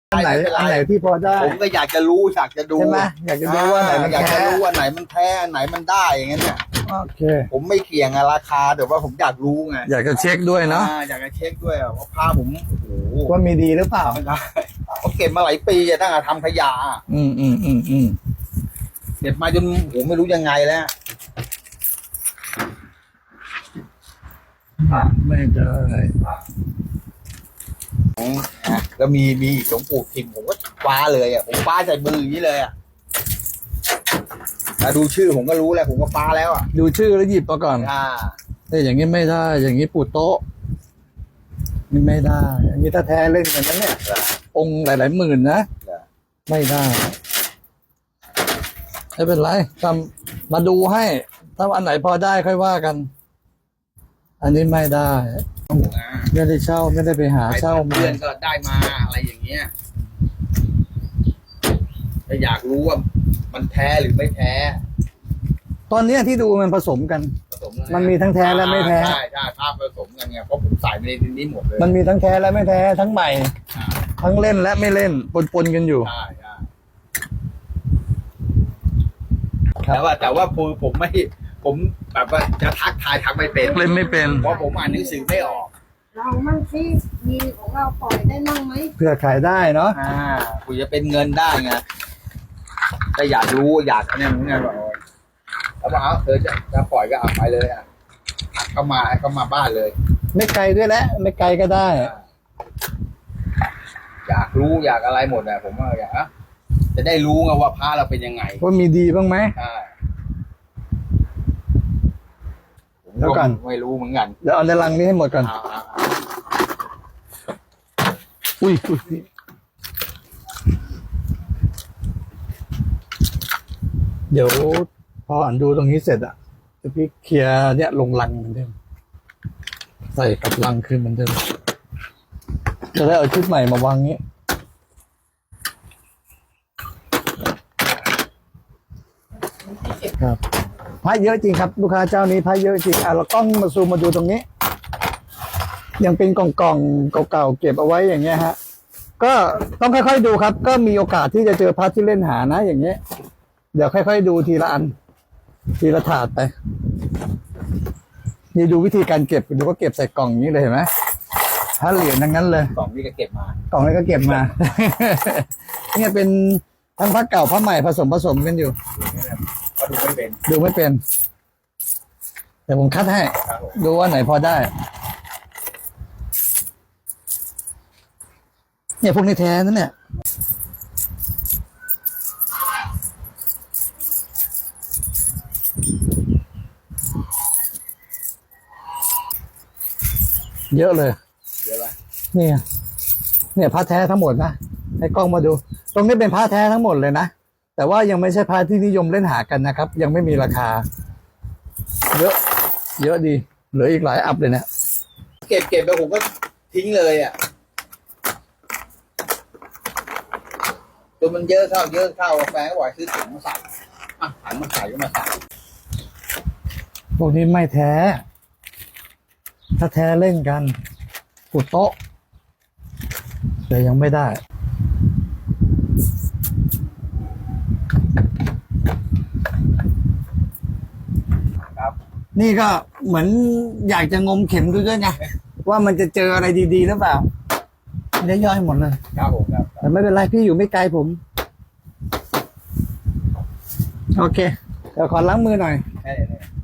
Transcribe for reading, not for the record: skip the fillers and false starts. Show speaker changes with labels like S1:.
S1: อันไหนที่พอได้
S2: ผมก็อยากจะรู้อยากจะดู
S1: ใช่ไหมอยากจะดูว่าไหนมัน
S2: อยาก
S1: แท้
S2: จะรู้ว่าไหนมันแท้อันไหนมันได้อย่างเงี้ยเนี่ย
S1: โอเค
S2: ผมไม่เกี่ยงราคาแต่ว่าผมอยากรู้ไง
S1: อยากจะเช็คด้วยเนาะ
S2: อยากจะเช็คด้วยว่าผ้าผมโอ้โห
S1: ว่ามีดีหรือเปล่า
S2: ไม่ได้เขาเก็บมาหลายปีตั้งแต่ทำขยะ เก็บมาจนผมไม่รู้ยังไงแล้ว
S1: ไม่ได้
S2: แล้วมีอีกหลวงปู่ทิมผมก็คว้าเลยผมคว้าใส่มืออย่างนี้เลยแต่ดูชื่อผมก็รู้แล้วผมก็คว้าแล้ว
S1: ดูชื่อแล้วหยิบมาก่อนแต่อย่างนี้ไม่ได้ อย่างนี้ปูโต๊ะนี่ไม่ได้ อย่างนี้ถ้าแท้เล่นกันนั้นเนี่ยองค์หลายๆหมื่นนะไม่ได้ไม่เป็นไรทำมาดูให้ถ้าอันไหนพอได้ค่อยว่ากัน อันนี้ไม่ได้ไม่ได้เช่าไม่ได้ไปหาเช่ามา
S2: เพื่อนก็ได้มาอะไรอย่างเงี้ยแต่อยากรู้ว่ามันแท้หรือไม่แท้
S1: ตอนนี้ที่ดูมันผสมกัน
S2: ผสมแล้วะ
S1: มันมีทั้งแท้และไม่แท้
S2: ใช่ภาพผสมกันไงเพราะผมใส่ไปในนี้หมดเลย
S1: มันมีทั้งแท้และไม่แท้ทั้งใหม่ ทั้งเล่นและไม่เล่นปนกันอยู่
S2: ใช่แต่ว่าผมไม่ผมแบบว่าจะทักทายทักไม่เป็น
S1: เล่นไม่เป็น
S2: เพราะผมอ่านหนังสือไม่ออก
S3: เรามั่งสิมีของเราปล่อยได้มั่งไหม
S1: เพื่อขายได้เนาะ
S2: กูจะเป็นเงินได้ไงแต่อยากรู้อยากอันนี้เหมือนกันว่าแล้วบอกจะปล่อยก็เอาไปเลยเข้ามาบ้านเลย
S1: ไม่ไกลด้วยแหละไม่ไกลก็ได้
S2: อยากรู้อยากอะไรหมดผมว่าอยากจะได้รู้ไงว่าพระเราเป็นยังไง
S1: ว่ามีดีบ้างไหม
S2: ใช่ผม
S1: แล้วก่อน
S2: ไม่รู้เหมือนกัน
S1: เดี๋ยวเอาในลังนี้ให้หมดก่อนอุ้ยเดี๋ยวพออ่านดูตรงนี้เสร็จจะพี่เคลียร์เนี่ยลงลังเหมือนเดิมใส่กับลังคืนเหมือนเดิมจะได้เอาชุดใหม่มาวางนี้ครับพระเยอะจริงครับลูกค้าเจ้านี้พระเยอะจริงเรากล้องมาซูมมาดูตรงนี้ ยังเป็นกล่องๆเก่าๆเก็บเอาไว้อย่างเงี้ยฮะก็ต้องค่อยๆดูครับก็มีโอกาสที่จะเจอพระที่เล่นหานะอย่างเงี้ยเดี๋ยวค่อยๆดูทีละอันทีละถาดไปนี่ดูวิธีการเก็บดูก็เก็บใส่กล่องนี้เลยเห็นไหมถ้าเหรียญทั้งนั้นเลย
S2: กล่องนี้ก็เก็บมาก
S1: ล่องนี้ก็เก็บมา เนี่ยเป็นทั้งพระเก่าพระใหม่ผสมกันอยู่
S2: ก็ดูไม่เป็น
S1: ดูไม่เป็นแต่ผมคัดให้ดูว่าไหนพอได้เนี่ยพวกนี้แท้นั่นเนี่ยเยอะเลย
S2: เยอะไหม
S1: เนี่ยผ้าแท้ทั้งหมดนะให้กล้องมาดู ตรงนี้เป็นผ้าแท้ทั้งหมดเลยนะแต่ว่ายังไม่ใช่ผ้าที่นิยมเล่นหากันนะครับ ยังไม่มีราคา เยอะดีเหลืออีกหลายอัพเลยเนี่ย
S2: เก็บไปผมก็ทิ้งเลยจนมันเยอะเข้าแฟนก็บอกซื้อถุงมาใส่ถังมาใส่ก็มาใส่
S1: พวกนี้ไม่แท้ ถ้าแท้เล่นกันปุดโต๊ะแต่ยังไม่ได้
S2: ครับ
S1: นี่ก็เหมือนอยากจะงมเข็มดูด้วยไงว่ามันจะเจออะไรดีๆหรือเปล่าไม่ได้ย่อยหมดเลย
S2: ครับผมครับ
S1: แต่ไม่เป็นไรพี่อยู่ไม่ไกลผมโอเคเดี๋ยวขอล้างมือหน่อย
S2: แค่นี้